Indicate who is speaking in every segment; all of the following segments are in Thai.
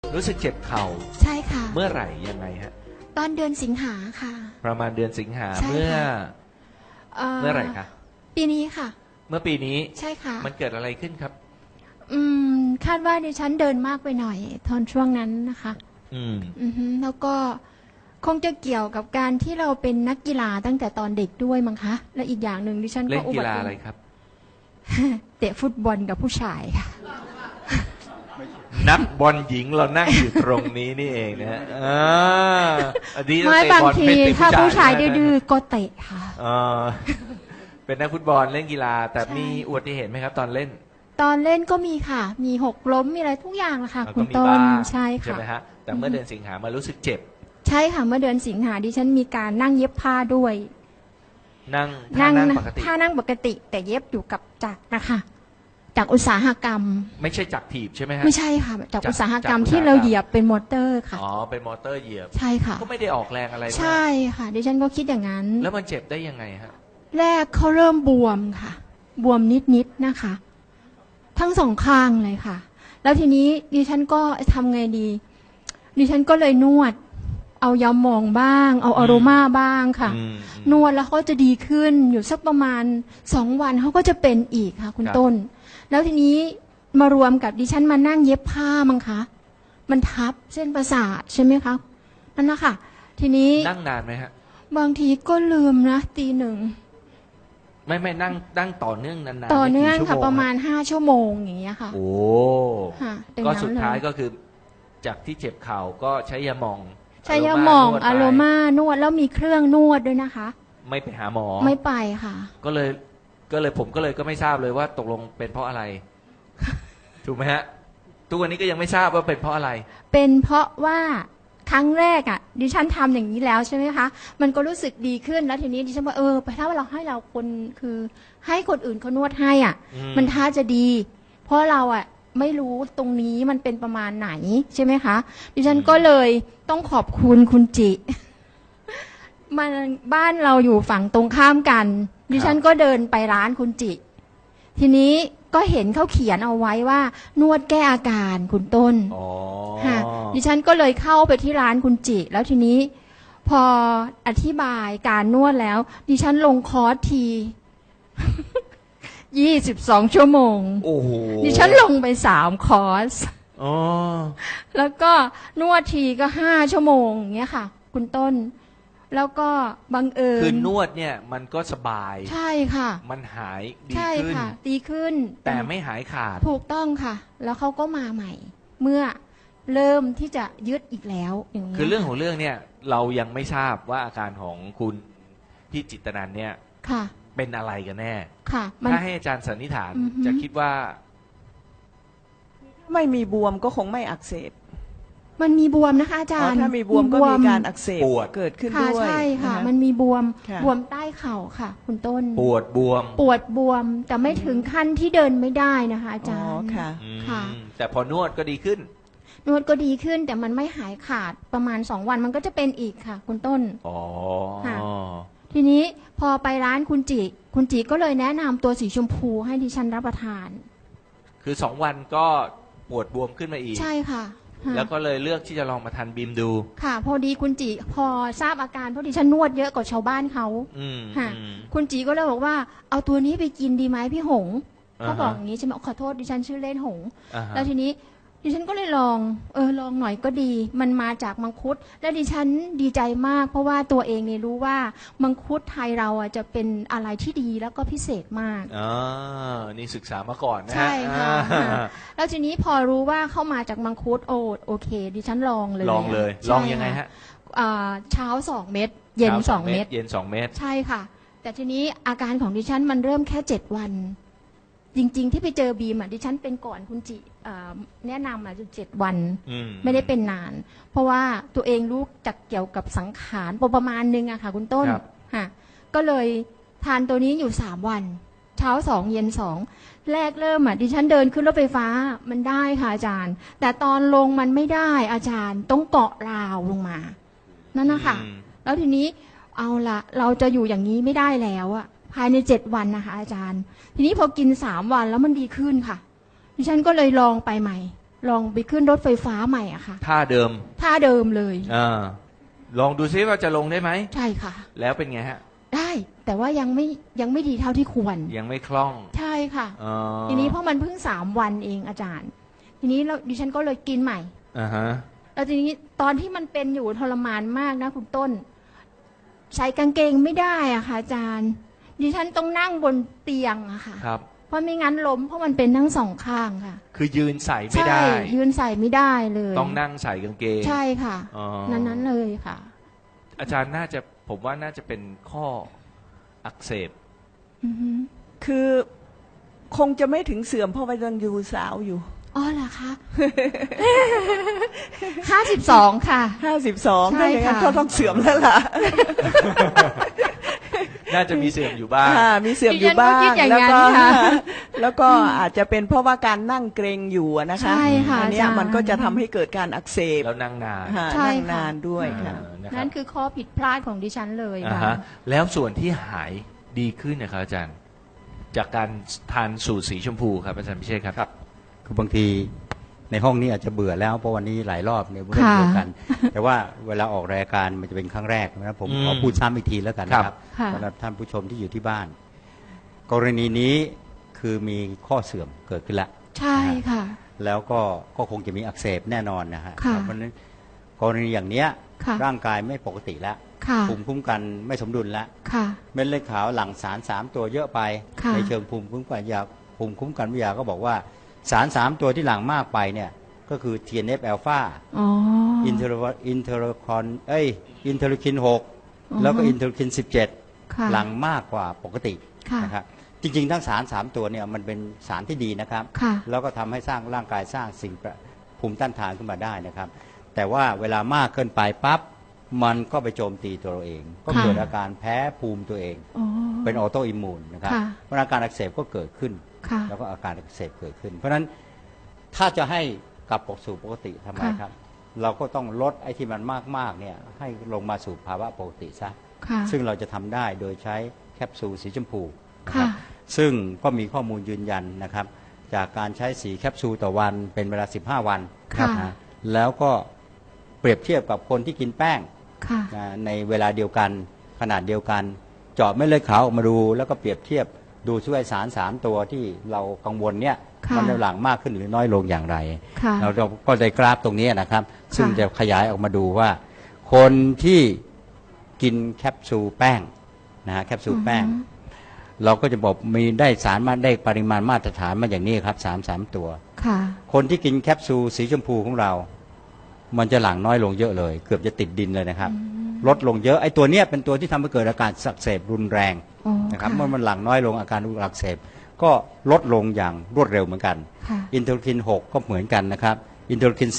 Speaker 1: รู้สึกเจ็บเข่า
Speaker 2: ใช่ค่ะ
Speaker 1: เมื่อไหร่ยังไงฮะ
Speaker 2: ตอนเดือนสิงหาค่ะ
Speaker 1: ประมาณเดือนสิงหา
Speaker 2: ใช่
Speaker 1: เมื่อ
Speaker 2: ค่ะ
Speaker 1: เมื่อไหร่คะ
Speaker 2: ปีนี้ค่ะ
Speaker 1: เมื่อปีนี้
Speaker 2: ใช่ค่ะ
Speaker 1: มันเกิดอะไรขึ้นครับ
Speaker 2: อืคาดว่าดิฉันเดินมากไปหน่อยตอนช่วงนั้นนะคะแล้วก็คงจะเกี่ยวกับการที่เราเป็นนักกีฬาตั้งแต่ตอนเด็กด้วยมั้งคะและอีกอย่างหนึ่งดิฉันก็
Speaker 1: เล่นกีฬาอะไรครับ
Speaker 2: เตะฟุตบอลกับผู้ชายค่ะ
Speaker 1: นักบอลหญิงเรานั่งอยู่ตรงนี้นี่เองนะฮะ
Speaker 2: ไม่บางทีถ้าผู้ชายดื้อๆก็เตะค่ะ
Speaker 1: เป็นนักฟุตบอลเล่นกีฬาแต่มีอุบัติเหตุไหมครับตอนเล่น
Speaker 2: ก็มีค่ะมีหกล้มมีอะไรทุกอย่างนะคะคุณต้นใช่ค่ะ
Speaker 1: ใช่ไหมฮะแต่เมื่อเดือนสิงหามารู้สึกเจ็บ
Speaker 2: ใช่ค่ะเมื่อเดือนสิงหาดิฉันมีการนั่งเย็บผ้าด้วย
Speaker 1: นั่งปกติ
Speaker 2: ท่านั่งปกติแต่เย็บอยู่กับจักรนะคะจากอุตสาหกรรม
Speaker 1: ไม่ใช่จักรถีบใช่ไหมฮะ
Speaker 2: ไม่ใช่ค่ะจากอุตสาหกรรมที่เราเหยียบเป็นมอเตอร์ค่ะ
Speaker 1: อ๋อเป็นมอเตอร์เหยียบ
Speaker 2: ใช่ค่ะ
Speaker 1: ก็ไม่ได้ออกแรงอะไร
Speaker 2: ใช่ค่ะดิฉันก็คิดอย่างนั้น
Speaker 1: แล้วมันเจ็บได้ยังไงฮะ
Speaker 2: แรกเขาเริ่มบวมค่ะบวมนิดนะคะทั้งสองข้างเลยค่ะแล้วทีนี้ดิฉันก็ทำไงดีดิฉันก็เลยนวดเอายาหม่องบ้างเอาอโรมาบ้างค่ะนวดแล้วเขาจะดีขึ้นอยู่สักประมาณ2 วันเขาก็จะเป็นอีกค่ะคุณต้นแล้วทีนี้มารวมกับดิฉันมานั่งเย็บผ้ามั้งคะมันทับเส้นประสาทใช่ไหมคะนั่นนะคะทีนี้
Speaker 1: นั่งนานไหมฮะ
Speaker 2: บางทีก็ลืมนะตี 1
Speaker 1: ไม่นั่งต่อเนื่องนาน
Speaker 2: ๆต่อเนื่องค่ะประมาณ5 ชั่วโมงอย่างเงี้ยค่ะ
Speaker 1: โอ้
Speaker 2: ค่ะ
Speaker 1: ก็สุดท้ายก็คือจากที่เจ็บเข่าก็ใช้ยาหม่อง
Speaker 2: ใช้ยาหม่องอะโรมานวดแล้วมีเครื่องนวดด้วยนะคะ
Speaker 1: ไม่ไปหาหมอ
Speaker 2: ไม่ไปค่ะ
Speaker 1: ก็เลยผมก็ไม่ทราบเลยว่าตกลงเป็นเพราะอะไรถูกไหมฮะทุกวันนี้ก็ยังไม่ทราบว่าเป็นเพราะอะไร
Speaker 2: เป็นเพราะว่าครั้งแรกอ่ะดิฉันทำอย่างนี้แล้วใช่ไหมคะมันก็รู้สึกดีขึ้นแล้วทีนี้ดิฉันว่าถ้าเราให้เราคนคือให้คนอื่นเขานวดให้อ่ะมันท่าจะดีเพราะเราอ่ะไม่รู้ตรงนี้มันเป็นประมาณไหนใช่ไหมคะดิฉันก็เลยต้องขอบคุณคุณจิมันบ้านเราอยู่ฝั่งตรงข้ามกันดิฉันก็เดินไปร้านคุณจิทีนี้ก็เห็นเขาเขียนเอาไว้ว่านวดแก้อาการคุณต้นค่ะดิฉันก็เลยเข้าไปที่ร้านคุณจิแล้วทีนี้พออธิบายการนวดแล้วดิฉันลงคอร์สที22 ชั่วโมง
Speaker 1: โอ้โห
Speaker 2: ดิฉันลงไป3 คอร์สแล้วก็นวดทีก็5 ชั่วโมงอย่างเงี้ยค่ะคุณต้นแล้วก็บังเอิญ
Speaker 1: คือนวดเนี่ยมันก็สบาย
Speaker 2: ใช่ค่ะ
Speaker 1: มันหายดี
Speaker 2: ใช่
Speaker 1: ขึ้น
Speaker 2: ค่ะดีขึ้น
Speaker 1: แต่ไม่หายขาด
Speaker 2: ถูกต้องค่ะแล้วเขาก็มาใหม่เมื่อเริ่มที่จะยึดอีกแล้วอย่างนี้
Speaker 1: คือเรื่องของเรื่องเนี่ยเรายังไม่ทราบว่าอาการของคุณพี่จิตรนันท์เนี่ย
Speaker 2: ค่ะ
Speaker 1: เป็นอะไรกันแน่
Speaker 2: ค่ะ
Speaker 1: ถ้าให้อาจารย์สันนิษฐานจะคิดว่า
Speaker 3: ไม่มีบวมก็คงไม่อักเสบ
Speaker 2: มันมีบวมนะคะอาจารย์
Speaker 3: ถ้ามีบวมก็มีการอักเสบเกิดขึ้นด้วย
Speaker 2: ใช่ค่ะมันมีบวมใต้เข่าค่ะคุณต้น
Speaker 1: ปวดบ
Speaker 2: วมแต่ไม่ถึงขั้นที่เดินไม่ได้นะคะอาจารย์
Speaker 1: ค่ะแต่พอนวดก็ดีขึ้น
Speaker 2: นวดก็ดีขึ้นแต่มันไม่หายขาดประมาณ2 วันมันก็จะเป็นอีกค่ะคุณต้นค่ะทีนี้พอไปร้านคุณจิก็เลยแนะนำตัวสีชมพูให้ดิฉันรับประทาน
Speaker 1: คือ2 วันก็ปวดบวมขึ้นมาอีก
Speaker 2: ใช่ค่ะ
Speaker 1: แล้วก็เลยเลือกที่จะลองมาทานบีมดู
Speaker 2: ค่ะพอดีคุณจิพอทราบอาการเพราะดิฉันนวดเยอะกว่าชาวบ้านเขาค่ะคุณจิก็เลยบอกว่าเอาตัวนี้ไปกินดีไหมพี่หงเขาบอกอย่างนี้ใช่ไหมขอโทษดิฉันชื่อเล่นหงแล้วทีนี้ดิฉันก็เลยลองหน่อยก็ดีมันมาจากมังคุดและดิฉันดีใจมากเพราะว่าตัวเองเนี่ยรู้ว่ามังคุดไทยเราอ่ะจะเป็นอะไรที่ดีแล้วก็พิเศษมาก
Speaker 1: นี่ศึกษามาก่อนนะ
Speaker 2: ใช่ค่ะแล้วทีนี้พอรู้ว่าเข้ามาจากมังคุดโอเคดิฉันลองเลย
Speaker 1: ลองยังไงฮะ
Speaker 2: เช้า2 เม็ดเย็น2 เม็ด
Speaker 1: เย็น2 เม็ด
Speaker 2: ใช่ค่ะแต่ทีนี้อาการของดิฉันมันเริ่มแค่7 วันจริงๆที่ไปเจอบีมดิฉันเป็นก่อนคุณจิแนะนำ7 วันไม่ได้เป็นนานเพราะว่าตัวเองรู้จักเกี่ยวกับสังขารประมาณนึงอะค่ะคุณต้นค่ะก็เลยทานตัวนี้อยู่3 วันเช้า2 เย็น2แรกเริ่มดิฉันเดินขึ้นรถไฟฟ้ามันได้ค่ะอาจารย์แต่ตอนลงมันไม่ได้อาจารย์ต้องเกาะราวลงมานั่นนะคะแล้วทีนี้เอาละเราจะอยู่อย่างนี้ไม่ได้แล้วอะภายใน7 วันนะคะอาจารย์ทีนี้พอกิน3 วันแล้วมันดีขึ้นค่ะดิฉันก็เลยลองไปใหม่ลองไปขึ้นรถไฟฟ้าใหม่อะค่ะ
Speaker 1: ท่าเดิม
Speaker 2: ท่าเดิมเลย
Speaker 1: ลองดูซิว่าจะลงได้ไหม
Speaker 2: ใช่ค่ะ
Speaker 1: แล้วเป็นไงฮะ
Speaker 2: ได้แต่ว่ายังไม่ดีเท่าที่ควร
Speaker 1: ยังไม่คล่อง
Speaker 2: ใช่ค่ะ
Speaker 1: อ๋อ
Speaker 2: ทีนี้เพราะมันเพิ่ง3 วันเองอาจารย์ ทีนี้ดิฉันก็เลยกินใหม่
Speaker 1: อ่าฮะ
Speaker 2: แล้วทีนี้ตอนที่มันเป็นอยู่ทรมานมากนะคุณต้น ใส่กางเกงไม่ได้อะค่ะอาจารย์ ดิฉันต้องนั่งบนเตียงอะค่ะ
Speaker 1: ครับ
Speaker 2: เพราะไม่งั้นล้มเพราะมันเป็นทั้ง2 ข้างค่ะ
Speaker 1: คือยืนใส่ไม่
Speaker 2: ใช่
Speaker 1: ได้
Speaker 2: ยืนใส่ไม่ได้เลย
Speaker 1: ต้องนั่งใส่กางเกง
Speaker 2: ใช่ค่ะ
Speaker 1: อ๋อ
Speaker 2: นั้นเลยค่ะ
Speaker 1: อาจารย์ผมว่าน่าจะเป็นข้ออักเสบ
Speaker 2: อือฮึ
Speaker 3: คือคงจะไม่ถึงเสื่อมเพราะว่ายังอยู่สาวอยู่
Speaker 2: อ๋อเหรอคะ 52 ค่ะ
Speaker 3: 52
Speaker 2: ใช่
Speaker 3: ถ้าอย่างนั้น
Speaker 2: ค่ะ
Speaker 3: ก็ต้องเสื่อมแล้วล่ะ
Speaker 1: น่าจะมีเสื่อมอยู่บ้าง
Speaker 3: มีเสื่อมอยู่บ้า
Speaker 2: ดิฉันก็คิ
Speaker 3: ง
Speaker 2: ดอย่าง
Speaker 3: แล้ว
Speaker 2: นั้น
Speaker 3: ก็
Speaker 2: ค่ะ
Speaker 3: แล้วก็อาจจะเป็นเพราะว่าการนั่งเกรงอยู่อะนะคะ
Speaker 2: ใช่ค่ะ
Speaker 3: อันเนี้ย
Speaker 2: อาจารย์
Speaker 3: มันก็จะทำให้เกิดการอักเสบ
Speaker 1: แล้วนั่งนาน
Speaker 3: ค่ะ
Speaker 2: ใช่
Speaker 3: นั่ง
Speaker 2: ค่ะ
Speaker 3: นานด้วยค่ะ
Speaker 1: นะครั
Speaker 2: นั่
Speaker 1: บ
Speaker 2: นคือข้อผิดพลาดของดิฉันเลย
Speaker 1: อ่า
Speaker 2: ค่ะ
Speaker 1: ฮะแล้วส่วนที่หายดีขึ้นนะครับอาจารย์ จากการทานสูตรสีชมพูครับอาจารย์พิเชษครับ
Speaker 4: คือบางทีในห้องนี้อาจจะเบื่อแล้วเพราะวันนี้หลายรอบเนี่ยเรื่องเดียวกัน แต่ว่าเวลาออกรายการมันจะเป็นครั้งแรกนะผมขอพูดซ้ำอีกทีแล้วกันนะครับ
Speaker 2: ค่ะ
Speaker 4: สำหรับท่านผู้ชมที่อยู่ที่บ้าน กรณีนี้คือมีข้อเสื่อมเกิดขึ้นละ
Speaker 2: ใช่ค่ะ
Speaker 4: แล้วก็คงจะมีอักเสบแน่นอนนะฮะ
Speaker 2: ค่ะ
Speaker 4: เพราะฉะนั้นกรณีอย่างเนี้ย
Speaker 2: ค่ะ
Speaker 4: ร่างกายไม่ปกติแล้ว
Speaker 2: ค่ะ
Speaker 4: ภูมิคุ้มกันไม่สมดุลแล้ว
Speaker 2: ค่ะ
Speaker 4: เม็ดเลือดขาวหลั่งสาร3ตัวเยอะไป
Speaker 2: ค่ะ
Speaker 4: ในเชิงภูมิคุ้มกันวิทยาก็บอกว่าสาร3ตัวที่หลั่งมากไปเนี่ยก็คือ TNF อ l ลฟา
Speaker 2: อ๋อ
Speaker 4: อินเทอร์คิน6แล้วก็อินเทอร์คิน17
Speaker 2: ค่ะ
Speaker 4: หลั่งมากกว่าปกติ
Speaker 2: ค่ะ
Speaker 4: นะครับจริงๆทั้งสาร3ตัวเนี่ยมันเป็นสารที่ดีนะครับ
Speaker 2: ค่ะ
Speaker 4: แล้วก็ทำให้สร้างร่างกายสร้างสิ่งภูมิต้านทานขึ้นมาได้นะครับ แต่ว่าเวลามากเกินไปปั๊บมันก็ไปโจมตีตัวเราเอง ก็เกิดอาการแพ้ภูมิตัวเอง
Speaker 2: อ๋อ
Speaker 4: เป็นออโตอิมมูนนะครับ
Speaker 2: ค่ะ
Speaker 4: เพราะอาการอักเสบก็เกิดขึ้น
Speaker 2: ค่ะ
Speaker 4: แล้วก็อาการอักเสบเกิดขึ้น เพราะฉะนั้นถ้าจะให้กลับสู่ปกติทำไม
Speaker 2: ค่ะ
Speaker 4: ครับ เราก็ต้องลดไอ้ที่มันมากๆเนี่ยให้ลงมาสู่ภาวะปกติซะ
Speaker 2: ค่ะ
Speaker 4: ซึ่งเราจะทำได้โดยใช้แคปซูลสีชมพูนะค
Speaker 2: ค่ะ
Speaker 4: รับซึ่งก็มีข้อมูลยืนยันนะครับ จากการใช้สีแคปซูลต่อวันเป็นเวลา 15 วัน
Speaker 2: ค่ะ
Speaker 4: นะแล้วก็เปรียบเทียบกับคนที่กินแป้ง
Speaker 2: ค่ะ
Speaker 4: นะในเวลาเดียวกันขนาดเดียวกัน เจาะเม็ดเลือดขาวออกมาดู แล้วก็เปรียบเทียบดูช่วยสาร3ตัวที่เรากังวลเนี่ย
Speaker 2: ค่ะ
Speaker 4: มันหลั่งมากขึ้นหรือน้อยลงอย่างไร
Speaker 2: ค่ะ
Speaker 4: เราก็ได้กราฟตรงนี้นะครับ ซึ่ง
Speaker 2: ค่ะ
Speaker 4: จะขยายออกมาดูว่า คนที่กินแคปซูลแป้งนะฮะแคปซูลแป้ง เราก็จะบอกมีได้สารมาได้ปริมาณมาตรฐานมาอย่างนี้ครับ3ตัว
Speaker 2: ค่ะ
Speaker 4: คนที่กินแคปซูลสีชมพูของเรา มันจะหลั่งน้อยลงเยอะเลย เกือบจะติดดินเลยนะครับ ลดลงเยอะไอ้ตัวเนี้ยเป็นตัวที่ทำให้เกิดอาการอักเสบรุนแรง
Speaker 2: อ๋อ
Speaker 4: นะครับ
Speaker 2: ค่ะ
Speaker 4: เมื่อมันหลั่งน้อยลงอาการอักเสบก็ลดลงอย่างรวดเร็วเหมือนกัน
Speaker 2: ค่ะ
Speaker 4: อินเทอร์คิน6ก็เหมือนกันนะครับอินเทอร์คิน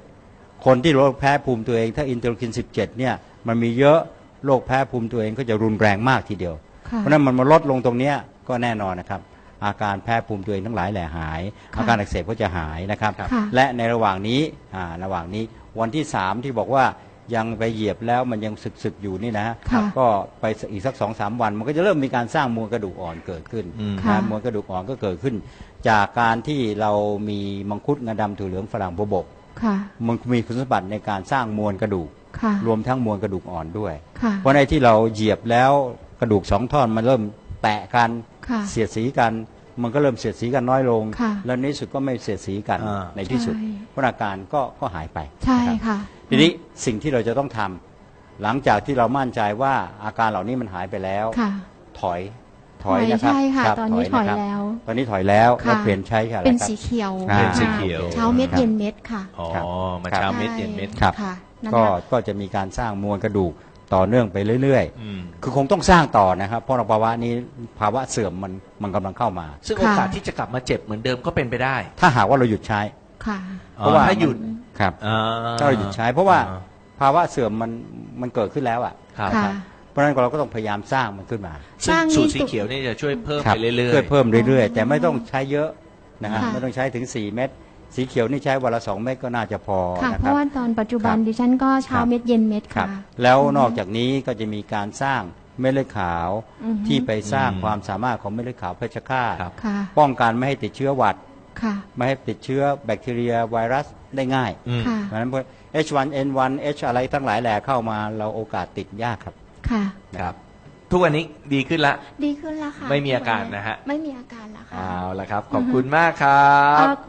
Speaker 4: 17คนที่โรคแพ้ภูมิตัวเองถ้าอินเทอร์คิน17เนี่ยมันมีเยอะโรคแพ้ภูมิตัวเองก็จะรุนแรงมากทีเดียว
Speaker 2: ค่ะ
Speaker 4: เพราะฉะนั้นมันมาลดลงตรงเนี้ยก็แน่นอนนะครับอาการแพ้ภูมิตัวเองทั้งหลายแหล่หาย
Speaker 2: ค่ะ
Speaker 4: อาการอักเสบก็จะหายนะครับ
Speaker 2: ค่ะ
Speaker 4: และในระหว่างนี้วันที่3ที่บอกว่ายังไปเหยียบแล้วมันยังสึกๆอยู่นี่นะฮะ
Speaker 2: ค่ะ
Speaker 4: ก็ไปอีกสัก 2-3 วัน มันก็จะเริ่มมีการสร้างมวลกระดูกอ่อนเกิดขึ้น
Speaker 2: ค่ะ
Speaker 4: นะมวลกระดูกอ่อนก็เกิดขึ้น จากการที่เรามีมังคุดงาดำถั่วเหลืองฝรั่งบวบ
Speaker 2: ค่ะ
Speaker 4: มันมีคุณสมบัติในการสร้างมวลกระดูก
Speaker 2: ค่ะ
Speaker 4: รวมทั้งมวลกระดูกอ่อนด้วย
Speaker 2: ค่ะ
Speaker 4: เพราะในที่เราเหยียบแล้วกระดูก2ท่อนมันเริ่มแตะกัน
Speaker 2: ค่ะ
Speaker 4: เสียดสีกัน มันก็เริ่มเสียดสีกันน้อยลง
Speaker 2: ค่ะ
Speaker 4: แล้วในที่สุดก็ไม่เสียดสีกัน
Speaker 1: อ่า
Speaker 4: ในที่สุด
Speaker 2: ใช่
Speaker 4: เพราะอาการก็หายไป
Speaker 2: ใช่
Speaker 4: นะครับ
Speaker 2: ค่ะ
Speaker 4: ทีนี้สิ่งที่เราจะต้องทำหลังจากที่เรามั่นใจว่าอาการเหล่านี้มันหายไปแล้ว
Speaker 2: ค่ะ
Speaker 4: ถอยนะครับ
Speaker 2: ใช่ค่ะ
Speaker 4: รับ
Speaker 2: ตอนนี้ถอย
Speaker 4: นะครับ
Speaker 2: แล้ว
Speaker 4: ตอนนี้ถอยแล้ว
Speaker 2: ค่ะ
Speaker 4: แล้วเปลี่ยนใช้อะไร
Speaker 2: เป็น
Speaker 4: ครับ
Speaker 2: สีเขียว
Speaker 4: อ่า
Speaker 1: เป็นสีเขียว
Speaker 2: เช้าเม็ดเย็นเม็ดค่ะ
Speaker 1: อ๋อ
Speaker 4: ครับ
Speaker 1: มาเช้าเม็ดเย็นเม็ด
Speaker 4: ครับ
Speaker 2: ค่ะนั่น
Speaker 4: ก็
Speaker 2: น่ะ
Speaker 4: ก็จะมีการสร้างมวลกระดูกต่อเนื่องไปเรื่อย
Speaker 1: อืม
Speaker 4: ๆ คือคงต้องสร้างต่อนะครับ เพราะภาวะนี้ภาวะเสื่อมมันกำลังเข้ามา
Speaker 1: ซึ่งโอกาสที่จะกลับมาเจ็บเหมือนเดิมก็เป็นไปได้
Speaker 4: ถ้าหากว่าเราหยุดใช้
Speaker 2: ค่ะ
Speaker 4: เพราะว่า
Speaker 1: ถ้าหยุด
Speaker 4: ครับ
Speaker 1: อ่า
Speaker 4: ถ้าเราหยุดใช้ เพราะว่าภาวะเสื่อมมันเกิดขึ้นแล้วอ่ะ
Speaker 1: ครับ
Speaker 2: ค่ะ
Speaker 4: เพราะฉะนั้นเราก็ต้องพยายามสร้างมันขึ้นมา
Speaker 1: ซึ่ง
Speaker 2: สร้าง
Speaker 1: สูตร
Speaker 2: นี่
Speaker 1: สีเขียวนี่จะช่วยเพิ่ม
Speaker 4: ครั
Speaker 1: ไปเรื่อย
Speaker 4: ช่วยเพิ่มเรื่อยๆ แต่ไม่ต้องใช้เยอะนะฮะ
Speaker 2: ค่ะ
Speaker 4: ไม่ต้องใช้ถึง4 เม็ดสีเขียวนี่ใช้วันละ2 เม็ดก็น่าจะพอ
Speaker 2: ค่ะ
Speaker 4: นะ
Speaker 2: เพ
Speaker 4: ครับ
Speaker 2: ราะว่าตอนปัจจุบัน
Speaker 4: ครับ
Speaker 2: ดิฉันก็เช้า
Speaker 4: ครับ
Speaker 2: เม็ดเย็นเม็ด
Speaker 4: ครั
Speaker 2: ค่ะ
Speaker 4: บแล้วนอกจากนี้ก็จะมีการสร้างเม็ดเลือดขาว
Speaker 2: อือฮึ
Speaker 4: ที่ไปสร้างความสามารถของเม็ดเลือดขาวเพชฌฆาต
Speaker 1: ครับ
Speaker 2: ค่ะ
Speaker 4: ป้องกันไม่ให้ติดเชื้อหวัด
Speaker 2: ค่ะ
Speaker 4: ไม่ให้ติดเชื้อแบคทีเรียไวรัสได้ง่าย
Speaker 1: อืม
Speaker 2: ค่ะ
Speaker 4: เพราะฉะนั้นพวก H1N1 H อะไรทั้งหลายแหล่เข้ามาเราโอกาสติดยากครับ
Speaker 2: ค่ะ
Speaker 1: ครับ ทุกวันนี้ดีขึ้นละ
Speaker 2: ดีขึ้นแล้วค่ะ
Speaker 1: ไม่มีอาการนะฮะ
Speaker 2: ไม่มีอาการแล้วค่ะ
Speaker 1: เอาละครับ ขอบคุณมากครับ
Speaker 2: เอ่อ